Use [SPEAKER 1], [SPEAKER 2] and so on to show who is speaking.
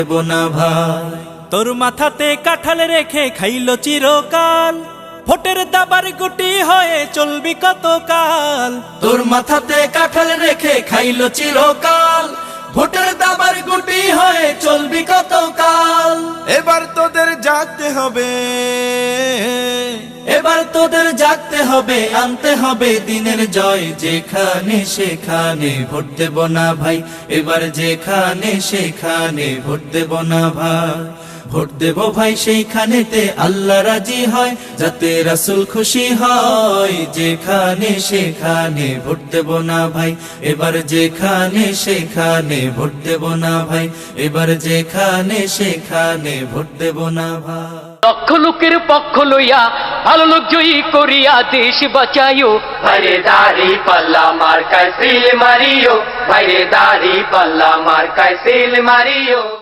[SPEAKER 1] দেব না ভাই। তোর মাথাতে কাঁঠাল রেখে খাইলো চিরকাল, ভোটের দাবার গুটি হয়ে চলবি কতকাল। তোর মাথাতে কাঁঠাল রেখে খাইলো চিরকাল, ভোটের দাবার গুটি হয়ে চলবি কতকাল।
[SPEAKER 2] এবার তোদের জাগতে হবে,
[SPEAKER 1] এবার তোদের জাগতে হবে, আনতে হবে দিনের জয়। যেখানে সেখানে ভোট দেব না ভাই, এবার যেখানে সেখানে ভোট দেব না ভাই। ভোট দেব ভাই সেইখানেতে আল্লাহ রাজি হয়, যাতে রাসূল খুশি হয়। যেখানে সেখানে ভোট দেব না ভাই, এবার যেখানে সেখানে ভোট দেব না ভাই। এবার যেখানে সেখানে ভোট দেব না ভাই।
[SPEAKER 3] লক্ষ লোকের পক্ষ লইয়া ভালো লোক জয়ী করিয়া দেশ বাঁচাইও। ভাইরে দাড়ি পাল্লা মার্কায় সিল মারিও, ভাইরে দাড়ি পাল্লা মার্কায় সিল মারিও।